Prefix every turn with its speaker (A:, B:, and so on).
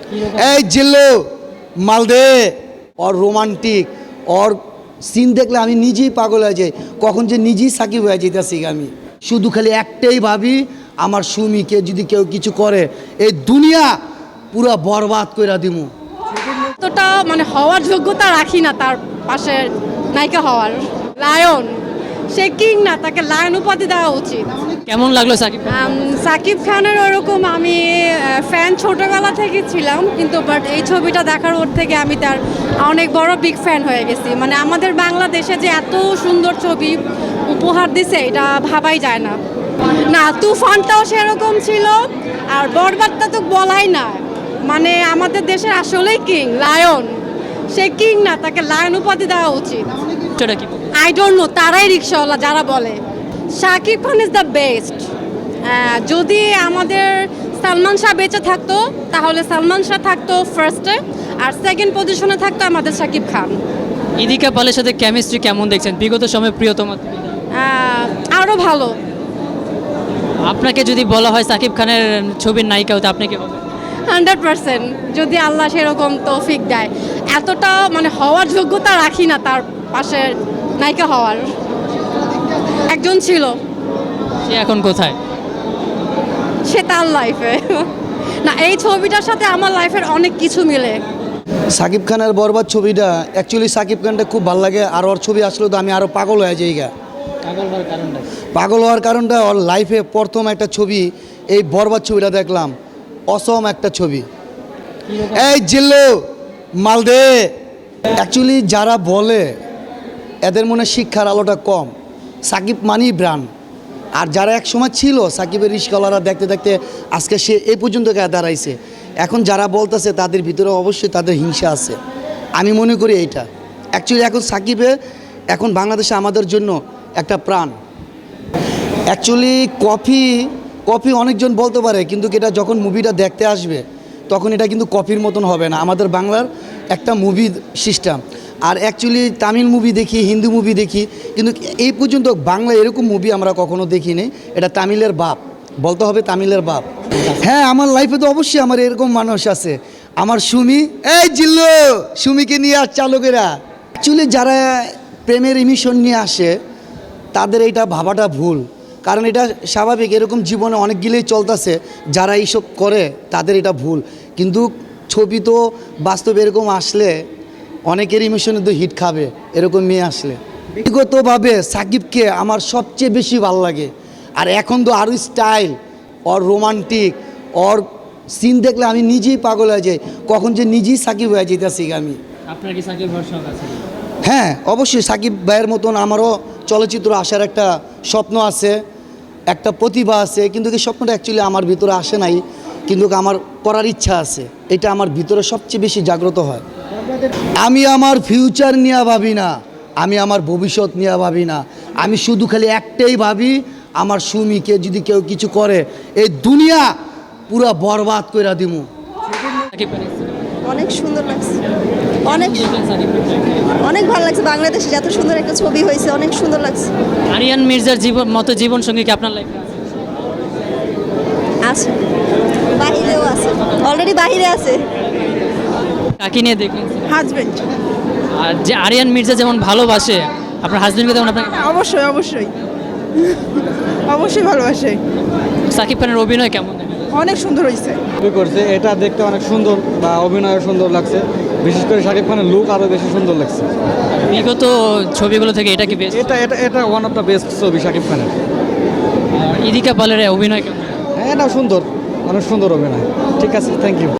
A: এই জিল্লু মালদে और रोमांटिक और সিন দেখলে আমি নিজেই পাগল হয়ে যাই, কখন যে নিজেই সাকিব হয়ে যেতেছি। আমি শুধু খালি একটাই ভাবি, আমার সুমিকে যদি কেউ কিছু করে এই দুনিয়া পুরা বরবাদ কইরা দিমু।
B: এতটা মানে হওয়ার যোগ্যতা রাখি না তার পাশে নায়িকা হওয়ার। লায়ন, সে কিং না, তাকে লায়ন উপাধি দেওয়া উচিত।
C: কেমন লাগলো সাকিব?
B: সাকিব খানের ওরকম আমি ফ্যান ছোটবেলা থেকে ছিলাম, কিন্তু বাট এই ছবিটা দেখার ওর থেকে আমি তার অনেক বড় বিগ ফ্যান হয়ে গেছি। মানে আমাদের বাংলাদেশে যে এত সুন্দর ছবি উপহার দিছে এটা ভাবাই যায় না। না, তুফানটাও সেরকম ছিল, আর বরবাদটা তো বলাই না। মানে আমাদের দেশের আসলেই কিং লায়ন, সে কিং না, তাকে লায়ন উপাধি দেওয়া উচিত। আই ডোন্ট নো, তারাই রিক্সাওয়ালা যারা বলে। Shakib Khan is the best. যদি আমাদের সালমান শাহ বেঁচে থাকতো তাহলে সালমান শাহ থাকতো ফার্স্টে, আর সেকেন্ড পজিশনে থাকতো আমাদের শাকিব খান।
C: ইদিকা পালের সাথে কেমিস্ট্রি কেমন দেখছেন? বিগত সময়ে প্রিয়তমা
B: আরও ভালো।
C: আপনাকে যদি বলা হয় সাকিব খানের ছবির নায়িকা হতে আপনি কি বলবেন?
B: 100%, যদি আল্লাহ সেরকম তৌফিক দেয়। এতটা মানে হওয়ার যোগ্যতা রাখি না তার পাশে নায়িকা হওয়ার। একজন ছিল,
C: সে এখন কোথায়?
B: সে তার লাইফে না। এই ছবিটার সাথে আমার লাইফের অনেক কিছু মিলে।
A: সাকিব খানের বরবাদ ছবিটা অ্যাকচুয়ালি সাকিব খানটা খুব ভালো লাগে, আর ওর ছবি আসলে তো আমি আরও পাগল হয়ে যাই। পাগল হওয়ার কারণটা ওর লাইফে প্রথম একটা ছবি, এই বরবাদ ছবিটা দেখলাম, অসম একটা ছবি। এই জিল্লু মালদে, অ্যাকচুয়ালি যারা বলে এদের মনে শিক্ষার আলোটা কম। সাকিব মানি ব্রান্ড, আর যারা এক সময় ছিল সাকিবের রিস্কলাররা দেখতে দেখতে আজকে সে এই পর্যন্ত দাঁড়াইছে। এখন যারা বলতেছে তাদের ভিতরে অবশ্যই তাদের হিংসা আছে। আমি মনে করি এইটা অ্যাকচুয়ালি এখন সাকিবে এখন বাংলাদেশে আমাদের জন্য একটা প্রাণ। অ্যাকচুয়ালি কফি অনেকজন বলতে পারে, কিন্তু এটা যখন মুভিটা দেখতে আসবে তখন এটা কিন্তু কফির মতন হবে না। আমাদের বাংলার একটা মুভি সিস্টেম, আর অ্যাকচুয়ালি তামিল মুভি দেখি, হিন্দি মুভি দেখি, কিন্তু এই পর্যন্ত বাংলা এরকম মুভি আমরা কখনো দেখিনি। এটা তামিলের বাপ, বলতে হবে তামিলের বাপ। হ্যাঁ, আমার লাইফে তো অবশ্যই আমার এরকম মানুষ আছে। আমার সুমি, এই জিল্লু সুমিকে নিয়ে আর চালকেরা অ্যাকচুয়ালি যারা প্রেমের ইমিশন নিয়ে আসে তাদের এইটা ভাবাটা ভুল, কারণ এটা স্বাভাবিক। এরকম জীবনে অনেকগুলোই চলতেছে, যারা এইসব করে তাদের এটা ভুল। কিন্তু ছবি তো বাস্তবে এরকম আসলে অনেকের ইমোশনে তো হিট খাবে এরকম মেয়ে আসলে। ব্যক্তিগতভাবে সাকিবকে আমার সবচেয়ে বেশি ভালো লাগে, আর এখন তো আরও স্টাইল ওর রোমান্টিক ওর সিন দেখলে আমি নিজেই পাগল হয়ে যাই, কখন যে নিজেই সাকিব হয়ে যেতেছি। আমি
C: আপনার কি সাকিব ভরসা আছে?
A: হ্যাঁ, অবশ্যই সাকিব ভাইয়ের মতন আমারও চলচ্চিত্র আসার একটা স্বপ্ন আছে, একটা প্রতিভা আছে, কিন্তু এই স্বপ্নটা অ্যাকচুয়ালি আমার ভিতরে আসে নাই, কিন্তু আমার করার ইচ্ছা আছে। এটা আমার ভিতরে সবচেয়ে বেশি জাগ্রত হয়। আমি আমার ফিউচার নিয়ে ভাবি না, আমি আমার ভবিষ্যৎ নিয়ে ভাবি না। আমি শুধু খালি একটাই ভাবি, আমার সুমিকে যদি কেউ কিছু করে এই দুনিয়া পুরা বরবাদ কইরা দিমু।
D: অনেক সুন্দর লাগছে, অনেক ভালো লাগছে। বাংলাদেশে এত সুন্দর একটা ছবি হয়েছে, অনেক সুন্দর লাগছে।
C: আরিয়ান মির্জার মতো জীবন সঙ্গী কি আপনার লাইফে
D: আছে? বাহিরেও আছে, অলরেডি বাহিরে আছে।
C: কাকে নিয়ে দেখলেন?
D: হাজবেন্ড।
C: আর যে আরিয়ান মির্জা যেমন ভালোবাসে আপনার হাজবেন্ডকে, তেমন আপনাকে?
D: অবশ্যই অবশ্যই অবশ্যই ভালোবাসে।
C: সাকিব খানের অভিনয় কেমন?
D: অনেক সুন্দর হয়েছে।
E: করছে এটা দেখতে অনেক সুন্দর, বা অভিনয় সুন্দর লাগছে। বিশেষ করে শাকিব খানের লুক আরও বেশি সুন্দর লাগছে।
C: বিগত ছবিগুলো থেকে এটা কি বেস্ট?
E: এটা ওয়ান অফ দ্য বেস্ট ছবি শাকিব খানের।
C: ইদিকা পালের অভিনয় কেমন?
E: হ্যাঁ, এটা সুন্দর, অনেক সুন্দর অভিনয়। ঠিক আছে, থ্যাংক ইউ।